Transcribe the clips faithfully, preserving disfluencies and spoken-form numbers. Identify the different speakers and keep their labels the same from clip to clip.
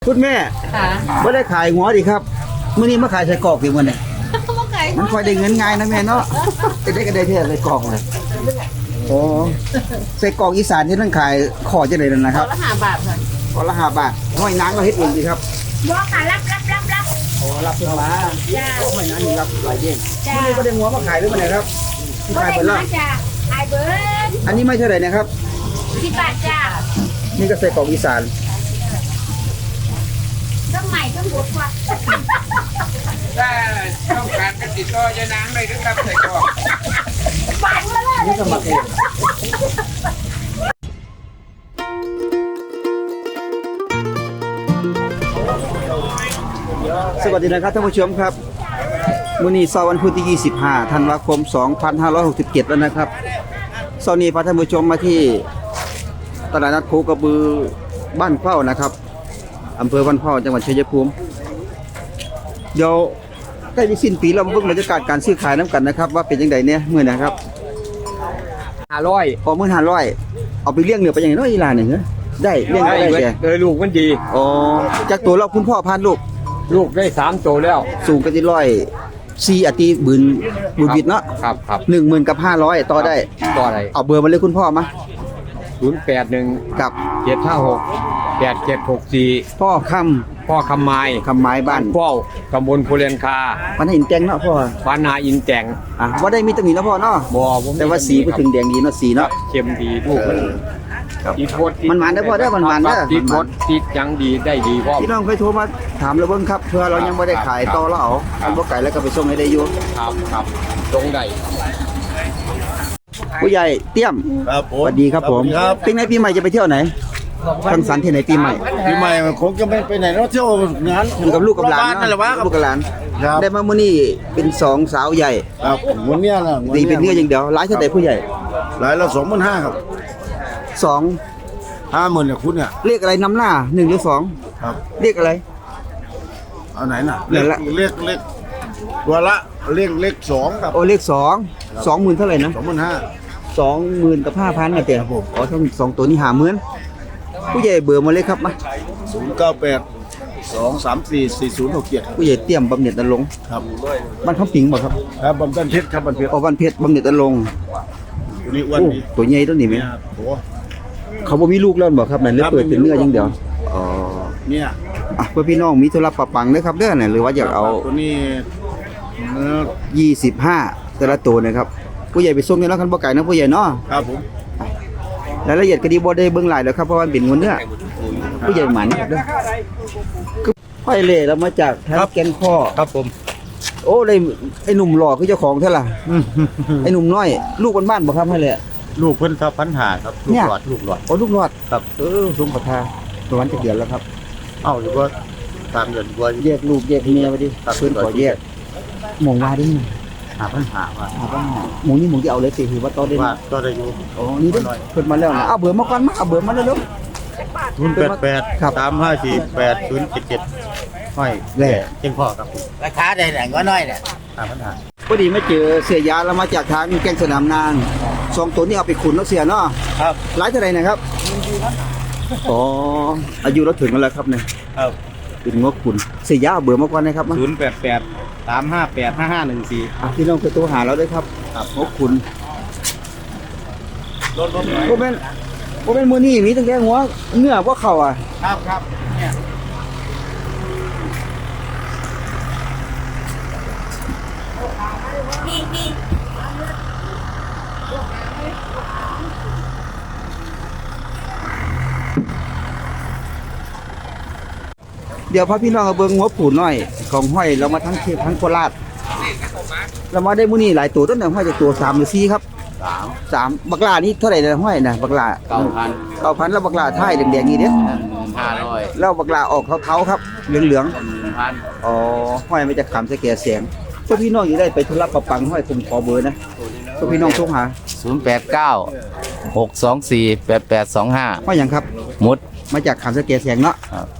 Speaker 1: คุณแม่ไม่ได้ขายหัวดิครับมื้อนี้มาขายใส่กรอกดิมื้อนี้มันค่อยได้เงินง่ายนะแม่เนาะได้ก็ได้แท้ใส่กรอกเลยโอ้ใส่กรอกอีสานที่นั่นขายขอจังได๋นั่นนะครับ
Speaker 2: ละห้าบาทค่ะ
Speaker 1: ขอละห้าบาทห้อยนางก็เฮ็ดเองสิครับ
Speaker 2: บ่ค่ะรับรับรับรับ
Speaker 1: โอ้รับเพิ่นมาจ้าห้อยนางนี่รับหลายเด้งมื้อนี้บ่ได้หัวมาขายหรือมื้อไหนครับ
Speaker 2: ขายเบิดแล้วจ้าขายเบิด
Speaker 1: อันนี้ไม่เท่าไหร่นะครับ
Speaker 2: สิบบาทจ้า
Speaker 1: นี่ก็ใส่กรอกอีสาน
Speaker 2: ต้องใหม่ต้องบดกว่า
Speaker 3: ถ้าต้องการกันติดต่อยานางได้ครับใส่กรอก
Speaker 2: ฝันมาเลย
Speaker 1: นี่ก็มาเองสวัสดีนะครับท่านผู้ชมครับมื้อนี้เสาร์วันพุธที่ยี่สิบห้าธันวาคมสองพันห้าร้อยหกสิบเจ็ดแล้วนะครับเสาร์นี้พาท่านผู้ชมมาที่ตลาดนัดโคกระบือบ้านเข้านะครับอำเภอบ้านเข้าจังหวัดชัยภูมิเดี๋ยวใกล้จะสิ้นปีเรามาเบิ่งบรรยากาศการซื้อขายน้ำกันนะครับว่าเป็นยังไงเนี่ยมื้อนะครับ
Speaker 3: ห้าร้อย
Speaker 1: พอมื้อห้าร้อยเอาไปเลี้ยงเนื้อไปยังไงเนาะอีหลานนี่ได้เลี้ยงได้แก่
Speaker 3: เออลูกมันดี
Speaker 1: อ๋อจากตัวเราคุณพ่อพานลูก
Speaker 3: ลูกได้สามตัวแล้ว
Speaker 1: สูงกันที่ร้อยสี่อติบืนบุญบิดเนาะ
Speaker 3: ครับครับ
Speaker 1: หนึ่งหมื่นกับห้าร้อยต่อได้
Speaker 3: ต่อได้
Speaker 1: เอาเบอร์มาเลยคุณพ่อมา
Speaker 3: ศูนย์แปดหนึ่ง
Speaker 1: กับ
Speaker 3: เจ็ดห้าหกแปดเจ็ดหกสี่
Speaker 1: พ่อค
Speaker 3: ำพ่อคำไม้
Speaker 1: คำไม้บ้าน
Speaker 3: เฝ้าตำบลภูเรนคา
Speaker 1: วันหินแตงเนาะพ่อ
Speaker 3: วานาอินแจง
Speaker 1: อ่ะว่าได้มีตำหนิเนาะพ่อเนาะ
Speaker 3: บ่
Speaker 1: แต่ว่าสีพูดถึงแดงดีเนาะสีเนาะ
Speaker 3: เข้มดีลูกมันติดพด
Speaker 1: มันหวานได้พ่อได้มันหวานเด้อ
Speaker 3: ติดพดติดยังดีได้ดีพ่อ
Speaker 1: พี่น้องเคยโทรมาถามเราเบิ่งครับเพื่อเรายังไม่ได้ขายต่อแล้วเอาอันบ่ไก่แล้วก็ไปส่งให้ได้อยู่
Speaker 3: ครับครับตรงได้
Speaker 1: ผู้ใหญ่เตี้ยม
Speaker 4: ครับผม
Speaker 1: สวัสดีครับผมเป็นไงปีใหม่จะไปเที่ยวไหนสังสรรค์ที่ไหนปีใหม่
Speaker 4: ปีใหม่มันคงจะไม่ไปไหนแล้วเที่ยวงาน
Speaker 1: อยู่กับลูกกับหลาน
Speaker 4: นั่นแหละวะ
Speaker 1: ลูกกับหลานได้มามื้อนี้เป็นสองสาวใหญ่
Speaker 4: ครับวันนี้น่ะ
Speaker 1: ตีเป็นเนื้ออย่างเดียวหลายเท่าใดผู้ใหญ่
Speaker 4: หลายละสองหมื่นห้าครับ
Speaker 1: สอง
Speaker 4: ห้าหมื่นเนี่ยคุณเนี่ย
Speaker 1: เรียกอะไรนำหน้าหนึ่งหรือสอง
Speaker 4: ครับ
Speaker 1: เรียกอะไร
Speaker 4: เอาไหนน่ะเลขเลขเลขตัวละเลขเลขสองครับ
Speaker 1: โอ้เลขสองสองหมื่นเท่าไหร่นะ
Speaker 4: สองหมื่นห้า
Speaker 1: สองหมื่นกับห้าพันนะเตี๋ยผมอ๋อทั้งสองตัวนี้หาหมื่นผู้ใหญ่เบื่อมาเลยครับมา
Speaker 4: ศูนย์เก้าแปดสองสามสี่สี่ศูนย์หกเจ็ด
Speaker 1: ผู้ใหญ่เตรียมบำเหน็จนรงค์
Speaker 4: ครับ
Speaker 1: บ้านเขาปิงบ่ครับ
Speaker 4: ครับบำเหน็จเพชรครับบำเหน็จ
Speaker 1: อ๋อบ้านเพชรบำเหน็จนรงค์
Speaker 4: ตัวนี้อ้วนดี
Speaker 1: ตัวใหญ่ตัวนี้ไหม
Speaker 4: ตัว
Speaker 1: เขาบ่มีลูกแล้วบ่ครับนั่นเลยเปิดเป็นเนื้ออย่างเดียวอ๋อ
Speaker 4: เนี่ย
Speaker 1: อ่ะเพื่อพี่น้องมีธุระปะปังเด้อครับเด้อเนี่ยหรือว่าอยากเอา
Speaker 4: ตัวนี้
Speaker 1: ยี่สิบห้าแต่ละตัวนะครับผู้ใหญ่ไปส่งเนี่ยแล้วคันบ่ไก่นะผู้ใหญ่เนาะ
Speaker 4: ครับผม
Speaker 1: รายละเอียดก็ดีบ่ได้เบิ่งหลายแล้วครับเพราะว่าเป็นงวเนื้อผู้ใหญ่หมันครับเด้อห้อยเล่แล้วมาจากทางแก่นข้อ
Speaker 4: ครับผม
Speaker 1: โอ้ได้ไอ้หนุ่มหล่อคือเจ้าของเท่าล่ะไอ้หนุ่มน้อยลูกบ้านๆบ่ครับให้เลย
Speaker 4: ลูกเพิ่นทับพันหาครับลูกหลอดลูกหลอด
Speaker 1: โอ้ลูกหลอดครับเออสมขทาประมาณจะเดือนแล้วครับ
Speaker 4: เอ้าหรือว่าตามเดือนกว่า
Speaker 1: แยกลูกแยกเมียไปดิเพิ่นขอแยกหมองว่าดิ
Speaker 4: หาพันหาว่า
Speaker 1: หาพันหาหมองนี่หมองที่เอาเลยสิคือว่าต่อได้
Speaker 4: ว่าต่อได้อยู่
Speaker 1: อ๋อนี่เด้อเพิ่นมาแล้วนะเอาเบอร์มาก่อนมาเอาเบอร์มาเร็ว
Speaker 4: ๆศูนย์ แปด แปด สาม ห้า สี่ แปด ศูนย์ เจ็ด เจ็ดห้อยแหล่เจ้งพ่อครับ
Speaker 2: ราคาได้แหล่งก็น้อยเนี่ย
Speaker 4: หาพันหา
Speaker 1: พอดีมาเจอเสียยาแล้วมาจากทางแก้งสนามนางสองตัวนี้เอาไปขุนแล้วเสียเนาะ
Speaker 4: ครับ
Speaker 1: หลายเท่าไหร่นะครับอ๋ออายุเราถึงแล้วครับเนี่ย
Speaker 4: ครับ
Speaker 1: เป็นงบขุนเสียยาเบอร์มาก่อนนะครับ
Speaker 4: ศูนย์ แปด แปด สาม ห้า แปด ห้า ห้า หนึ่ง สี่
Speaker 1: พี่น้องไปตัวหาเราด้วยครับครับงบขุน
Speaker 4: รถรถ
Speaker 1: โมเมนต์โมเมนต์มือนี่มีตั้งแต่หัวเนื้อพวกเข่าอ่ะ
Speaker 4: ครับครับเนี่ย
Speaker 1: เดี๋ยวพาพี่น้องเอาเบิ้งหัวผูหน่อยของห้อยเรามาทั้งเทพทั้งโคราชเรามาได้มื้อนี้หลายตัวต้นหนึ่งห้อยจากตัวสามหรือสี่ครับ
Speaker 4: สาม
Speaker 1: สามบักลานี่เท่าไหร่นะห้อยนะบักลา
Speaker 4: เก้าพัน
Speaker 1: เก้าพันแล้วบักลาไทยแดงๆนี่เด้อ
Speaker 4: ห้าร้อย
Speaker 1: แล้วบักลาออกเทาๆครับเหลือง
Speaker 4: ๆพัน
Speaker 1: อ๋อห้อยไม่จะขำสแกแสงพวกพี่น้องอยู่ได้ไปธุระประปังห้อยผมขอเบอร์นะพวกพี่น้องโทรหา
Speaker 5: ศูนย์ แปด เก้า หก สอง สี่ แปด แปด สอง ห้า
Speaker 1: ห้อยหยังครับ
Speaker 5: มุด
Speaker 1: มาจากขำสแกแสงเนาะ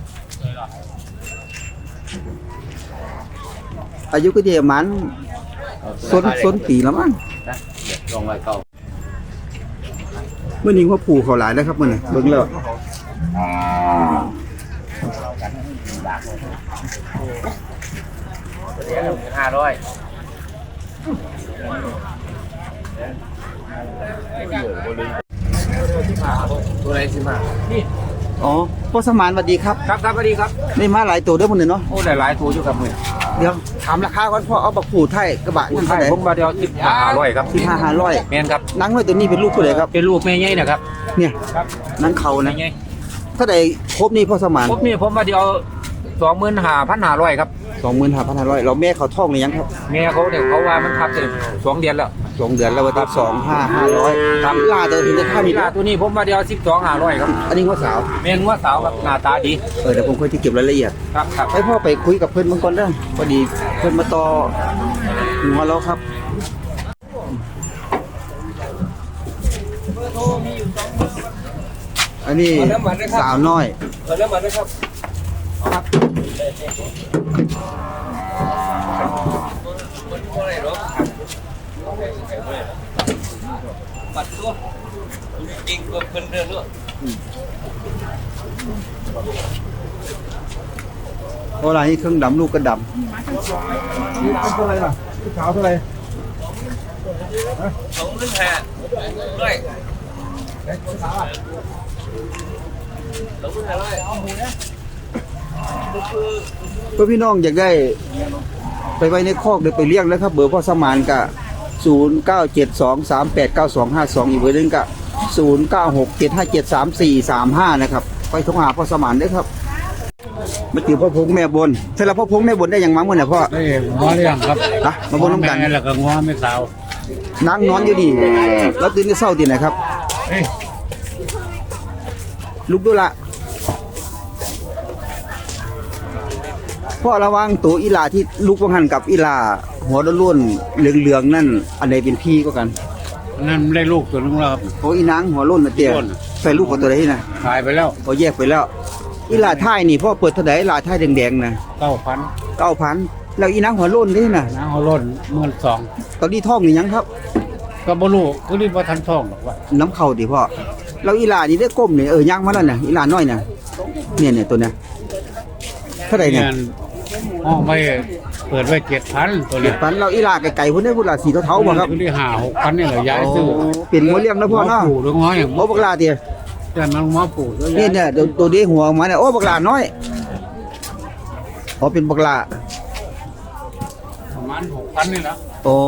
Speaker 1: อายุก็เดียวมันส้นส้นปีแล้วมั้ง
Speaker 5: ลองไว้เก่า
Speaker 1: เมื่อนี้ว่าผูเขาหลายแล้วครับมันเบิ่งแล้ว
Speaker 3: ห้าร้อยตัวไหนสิมานี่
Speaker 1: อ๋อพ่อสมานสวัสดีครับ
Speaker 3: ครับครับสวัสดีครับ
Speaker 1: ได้มาหลายตัวเด้อมื้อนี้เนาะ
Speaker 3: โอ้หลายๆตัวอยู่กับมือ
Speaker 1: เดี๋ยวถามราคาก่อนพ่อเอาบักผูไทยกระบะ
Speaker 3: คุ
Speaker 1: นี่
Speaker 3: ณไท
Speaker 1: เท่าย ไหร่
Speaker 3: ผมมาเดียวสิบห้าร้อยครับ
Speaker 1: สิบห้าห้าร้อย
Speaker 3: แมนครับ
Speaker 1: นังน้อยตัวนี้เป็นลูกผู้ใดครับ
Speaker 3: เป็นลูกแม่ใหญ่นะครับ
Speaker 1: เนี่ย
Speaker 3: ครับ
Speaker 1: นังเขา
Speaker 3: แม่
Speaker 1: นะ
Speaker 3: ใหญ่
Speaker 1: เท่าใดครบนี่พ่อสมาน
Speaker 3: ผมนี่ผมมาเดียวสองหมื่นห้าพันห้าร้อยครับ
Speaker 1: สองหมื่นห้าพันห้าร้อยเราแม่เขาท้องหรือยังครับ
Speaker 3: แม่เขาเนี่ยเขาว่ามันทับเสร็จสองเดือนแล้ว
Speaker 1: สองเดือนแล้ววันที่สองห้าห้าร้อยทำลาเดินถึงจะข้ามอีก
Speaker 3: ลาตัวนี้ผมมาเดียวสิบสองห้าร้อยครับ
Speaker 1: อันนี้ว่าสาว
Speaker 3: แม่นว่าสาวครับหน้าตาดี
Speaker 1: เออเดี๋ยวผมค่อยที่เก็บรายละเอียด
Speaker 3: ครับครับ
Speaker 1: ให้พ่อไปคุยกับเพื่อนบางคนได้อพอดีเพื่อนมาต่อหัวเราครับอันนี้สาวน้อย
Speaker 3: เริ่มมาด้วยครับปัดตัวจริงก็เป็นเรื่องเรื่อง
Speaker 1: เพราะอะไรนี่เครื่องดำลูกก็ดำเท่าไรล่ะสาวเท่าไร
Speaker 3: สองเรื่องแห่ด้วยสองเรื่องแห่ด้วยเอาหมูนะ
Speaker 1: เพื่อพี่น้องอยากได้ไปไว้ในคอกเดี๋ยวไปเลี้ยงแล้วครับเบอร์พ่อสมานกะศูนย์เก้าเจ็ดสองสามแปดเก้าสองห้าสองอีกเบอร์หนึงกะศูนย์เก้าหกเจ็ดห้าเจ็ดสามสี่สามห้านะครับไปโทรหาพ่อสมานได้ครับมาติวพ่อพงแม่บนเสร็จแล้วพ่อพงแม่บนได้ยังมั้งมื้อเนี่ยพ่อ
Speaker 4: ได้ง้อเรื่องครับ
Speaker 1: นะมาบนน้ำกัน
Speaker 4: แม่แล้วก็ง้อไม่สาว
Speaker 1: นั่งนอนอยู่ดีแล้วตื่นที่เศร้าตีไหนครับ
Speaker 4: เอ้ย
Speaker 1: ลุกดูละพ่อระวังตัวอีหลาที่ลุกวังหันกับอีหลาหัวล้วนๆเหลืองๆนั่นอันใดเป็นพี่ก็กัน
Speaker 4: นั่นได้ลูกตัวนึงแล้วครับ
Speaker 1: โอ้อีนางหัวล้นนะเตี้ย
Speaker 4: ล้น
Speaker 1: ใส่ลูกของตัวใดนะ
Speaker 4: ขายไปแล้ว
Speaker 1: พอแยกไปแล้ว อีหลาท้ายนี่พ่อเปิดเท่าไหร่อีหลาท้ายแดงๆนะ
Speaker 4: เก้าพัน
Speaker 1: เก้าพันแล้วอีนางหัวล้นนี่นะ
Speaker 4: น้าเอาล้นเมื่อสอง
Speaker 1: ตอนนี้ท้องนี่ยังครับ
Speaker 4: ก็บ่รู้ก็รีบว่าทันท่องหรอกว่า
Speaker 1: น้ำเข่าดิพ่อแล้วอีหลานี่ได้ก้มเนี่ยเออย่างมาแล้วน่ะอีหลาน้อยน่ะเนี่ยเนี่ยตัวเนี้ยเท่าไหร่เนี่ย
Speaker 4: ห้องไม่เปิดไว้เจ็ดพันตัว
Speaker 1: เจ็
Speaker 4: เนี้
Speaker 1: ดพันเราอีหลาไก่ๆพุ่นได้พุ่นละสีเทาๆบ่ครับ
Speaker 4: คือที่ห้าหกพันนี่แหละย้ายซื้อ
Speaker 1: โอ้เป็นหัวเลี้ยงนะพ่อเนาะ
Speaker 4: ปู่หรือง้ออย่าง
Speaker 1: โอ้บักหลาเตี้ย
Speaker 4: แต่มันง้อปู่แล้ว
Speaker 1: นี่เนี่ยตัวตัวเดียวหัวออกมาเนี่ยโอ้บักหลาน้อยอ๋อเป็นบักหลา
Speaker 4: ประมาณหกพันนี่แหละ
Speaker 1: โอ้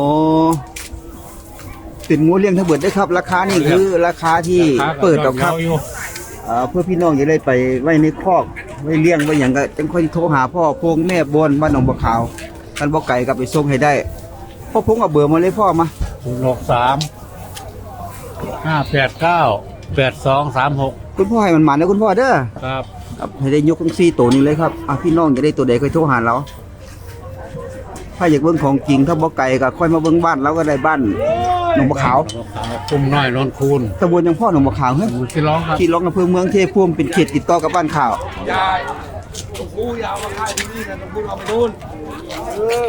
Speaker 1: เป็นงูเลี้ยงทั้งหมดได้ครับ ราคานี่คือราคาที่เปิดกับครับ
Speaker 4: อยู่
Speaker 1: เอ่อเพื่อพี่น้องจะได้ไปไว้ในคอกไว้เลี้ยงไว้อย่างก็จังค่อยโทรหาพ่อพงแม่บนบ้านหนองบัวขาวกันบ่ไก่กับไปส่งให้ได้พ่อพงเอาเบอร์มาเลยพ่อมา
Speaker 4: ศูนย์หกสามห้าแปดเก้าแปดสองสามหก
Speaker 1: คุณพ่อให้มันมานะคุณพ่อเด้อ
Speaker 4: ครับ
Speaker 1: ครับให้ได้ยกทั้งสี่ตัวนี้เลยครับอ่ะพี่น้องจะได้ตัวใดค่อยโทรหาเราถ้าอยากเบิ่งของจริงถ้าบ่ไก่ก็ค่อยมาเบิ่งบ้านเราก็ได้บ้านหนองบัวขาว
Speaker 4: คุ้มน้อยนนคูณ
Speaker 1: ตำบลยังพ่อหนองบัวขาวเฮ้ย
Speaker 4: หมู่ที่ร้องครับ
Speaker 1: ที่ร้องอำเภอเมืองเทพภูมิเป็นเขตติดต่อกับบ้านข่าว
Speaker 3: ยายต้องพูยาวมาค่ายที่นี่กันต้องพูเอาไปนู่นเออ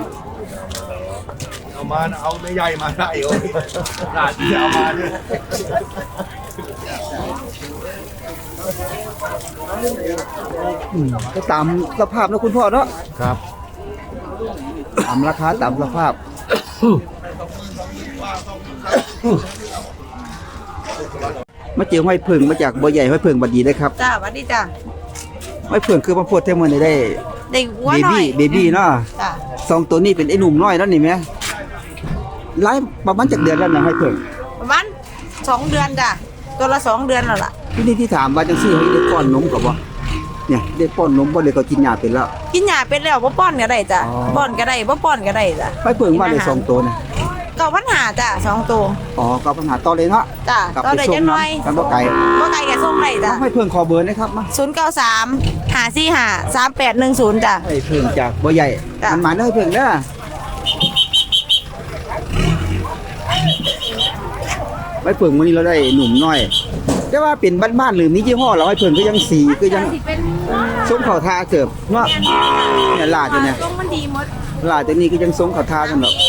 Speaker 3: เอามาเอาไม่ใหญ่มาได้โอ้ยหลานที่เอามาเนี่ย
Speaker 1: อืมก็ตามสภาพนะคุณพ่อเนาะ
Speaker 4: ครับ
Speaker 1: ตามราคาตามสภาพ มาเจอห้อยเพิงมาจากบ่อใหญ่ห้อยเพิงบัดดีได้ครับ
Speaker 2: จ้าสวัสดีจ้า
Speaker 1: ห้อยเพิงคือมาโพดเท่ามันได้
Speaker 2: เด็กหัว
Speaker 1: เบ
Speaker 2: หน่อ
Speaker 1: บี้
Speaker 2: ย
Speaker 1: เบบี้เนาะ
Speaker 2: จ้า
Speaker 1: สองตัวนี้เป็นไอ้หนุ่มน้อยแล้วนี่แม่ไล่ประมาณจากเดือนแล้วนะห้อยเพิง
Speaker 2: ประมาณสองเดือนจ้ะตัวละสองเดือนแล้วล่ะ
Speaker 1: ที่นี่ที่ถามว่าจังซี่ให้ได้ป้อนนมกับบ่เนี่ยได้ป้อนนมบ่เลยก็กินยาเป็นแล้ว
Speaker 2: กินหญ้าเป็นแล้วบ่ป้อนก็ได้จ้ะ
Speaker 1: อ๋อ
Speaker 2: ป้อนก็ได้บ่ป้อนก็ได้จ้ะ
Speaker 1: ห้อยเพิงว่าได้สองตัวนะ
Speaker 2: เก้าพันหาจ้ะสองตัว
Speaker 1: อ๋อก็ปัญหาต่อเลยเนาะ
Speaker 2: จ้ะ
Speaker 1: กลับ
Speaker 2: ต่อ
Speaker 1: ไป
Speaker 2: ได้
Speaker 1: ส่
Speaker 2: จั
Speaker 1: ง
Speaker 2: งหน่อย
Speaker 1: น้ำกันบ่ไกล
Speaker 2: บ่ไกลก็ส่งได้จ้ะ
Speaker 1: ห้อยเพิงขอเบอร์นะครับมา
Speaker 2: ศูนย์เก้าสามห้าสี่ห้าสามแปดหนึ่งศูนย์จ้ะ
Speaker 1: ห้อยเพิงจากบ่อใหญ่
Speaker 2: จ้ะ
Speaker 1: มันมาเด้อห้อยเพิงเด้อห้อยเพิงมื้อนี้เราได้หนุ่มน้อยแต่ว่าเป็นบ้านๆหรือมียี่ห้อเราห้อยเพิงก็ยังสีก็ยัง
Speaker 2: สิเป็น
Speaker 1: ส้มเข่าทาเกือบเนาะเนี่ยลาดอยู่เนี่ย
Speaker 2: ตรงมันดีหมด
Speaker 1: ลาดตัวนี้ก็ยังส้มเข่าทากันหรอก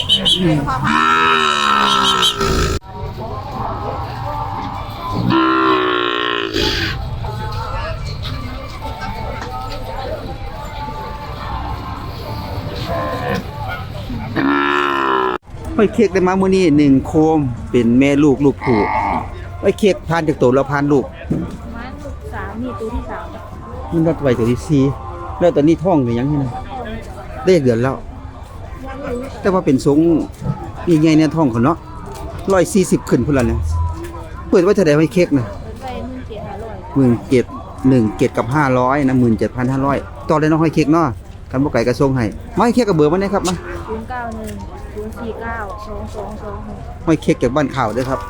Speaker 1: ห้อยเค้กได้มามื้อนี้หนึ่งโคมเป็นแม่ลูกลูกผู้ห้อยเค้กผ่านจากโตแล้วผ่านลูก
Speaker 6: ประมาณลูกสามนี่ตัวที่สาม
Speaker 1: มันรัดไว้ตัวที่สี่แล้วตอนนี้ท้องหรือยังนี่นะได้เดือนแล้ว แต่ว่าเป็นทรงยังไงเนี่ยท้องเขาเนาะหนึ่งร้อยสี่สิบขึ้นพุ่นละเนี่ยเปิดไว้เท่าใดห้อยเค้กนะ
Speaker 6: เปิดไปหมื่นเจ็ดห้าร้อย
Speaker 1: หมื่นเจ็ดหนึ่งเจ็ดกับห้าร้อยนะหมื่นเจ็ดพันห้าร้อยต่อเลยเนาะห้อยเค้กเนาะกันบ่ไก่กระทรงให้มาห้อยเค้กกับเบอร์มาเนี่ยครับมา
Speaker 6: ศูนย์เก้าหนึ่งศูนย์สี่เก้าสองสองสองหก
Speaker 1: ห้อยเค้กจากบ้านข่าวด้วยครับ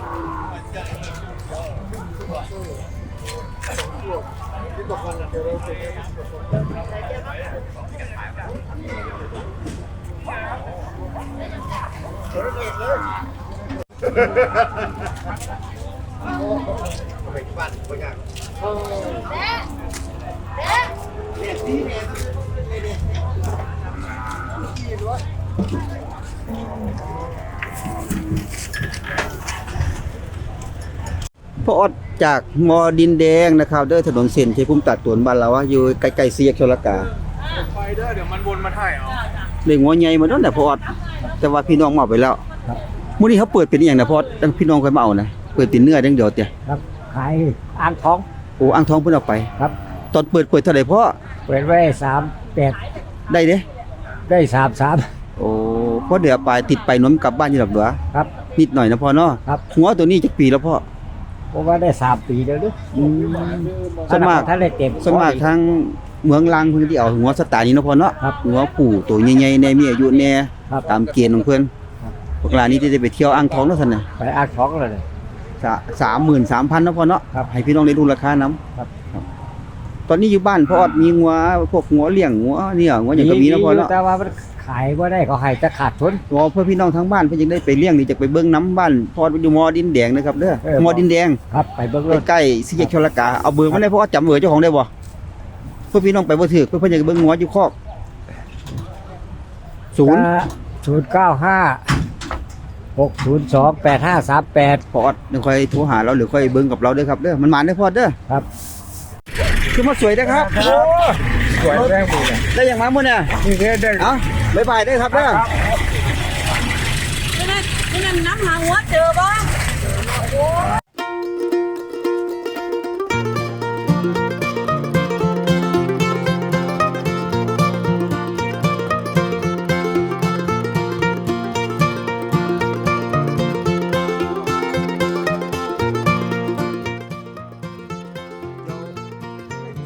Speaker 1: พ่อออดจากมอดินแดงนะครับเด้อถนนเส้นชัยภูมิตัดตวนบ้านเราอะอยู่ใกล้ๆสี่แยกชลกา
Speaker 3: ไปเด้อเดี๋ยวมันวนมาถ่ายเอา
Speaker 1: เลี้ยงหัวใหญ่มาตั้งแต่พ่อออดแต่ว่าพี่น้องมาเอาไปแล้วมื้อนี้เขาเปิดเป็นอหย่างนะพ่อออดตั้งพี่น้องค่อยมาเอานะเปิดเป็นเนื้ออย่างเดียวเตี้ย
Speaker 7: ครับขายอ่างท้อง
Speaker 1: โอ้อ่างทองเพิ่นเอาไป
Speaker 7: ครับ
Speaker 1: ตอนเปิดเปิดเท่าไหร่พ่อ
Speaker 7: เปิดไว้สามแปด
Speaker 1: ได้เด้
Speaker 7: ได้สามสาม
Speaker 1: โอ้พ่อเดี๋ยวไปติดไปหน้มกลับบ้านอยู่ดอกเหลือ
Speaker 7: ครับ
Speaker 1: นิดหน่อยนะพ่อเนาะ
Speaker 7: ครับ
Speaker 1: หัวตัวนี้จักปีแล้วพ่อ
Speaker 7: เพราะว่าได้สามปีแล้วเด้วย
Speaker 1: อืมส่วนมาก
Speaker 7: ท่านได้เต็ม
Speaker 1: ส่วนมากทางเมืองลังเพิ่นที่เอาหัวสไตล์นี้เนาะพ่อเนาะ
Speaker 7: ครับ
Speaker 1: หัวผู้ตัวใหญ่ๆแน่มีอายุแน่
Speaker 7: ครับ
Speaker 1: ตามเกณฑ์ของเพิ่นพวกร้านนี้ที่จะไปเที่ยวอ่างทองเนาะซั่นน่ะ
Speaker 7: ไปอ่างท้องเลย
Speaker 1: สามหมื่นสามพันเนาะพ่อเนาะ
Speaker 7: ครับ
Speaker 1: ให้พี่น้องได้รู้ราคานํ
Speaker 7: ครับ
Speaker 1: ตอนนี้อยู่บ้านพ่อออดมีงัวพวกงัวเลี้ยงงัวเนี่ยงัวหยังก็มีเนาะพ่อเนาะ
Speaker 7: แต่ว่ามันขายว่าได้เขาให้จะขาดทุน
Speaker 1: งัวเพื่อพี่น้องทางบ้านเพิ่นยังได้ไปเลี้ยงนี่จะไปเบิ่งน้ำบ้านพ่อออดอยู่มอดินแดงนะครับเด้อ
Speaker 7: เออ
Speaker 1: มอดินแดง
Speaker 7: ครับไปเบิ้งรถ
Speaker 1: ใกล้ๆสี่แยกชลกาเอาเบอร์มาได้พ่อออดจำเบอร์เจ้าของได้บ่เพื่อพี่น้องไปบ่ถูกเพื่อเพิ่นอยากเบิ่งงัวอยู่คอกศูนย์
Speaker 7: ศูนย์เก้าห้าหกศูนย์สองแปดห้าสามแปด
Speaker 1: พอออดเดี๋ยวค่อยโทรหาเราหรือค่อยเบิ่งกับเราเด้อครับเด้อมันมาได้อพ่อเด้อ
Speaker 7: ครับ
Speaker 1: คือมาสวยนะครับ
Speaker 7: สวยแรงดีเลย
Speaker 1: ได้อย่างมามื้อเนี่ย
Speaker 7: นี่แค่ได้
Speaker 1: เอ้าบ๊ายบายเด้อครับเด้อ
Speaker 2: นี่นั่นนี่นั่นน้ำหาหัวเจอบ่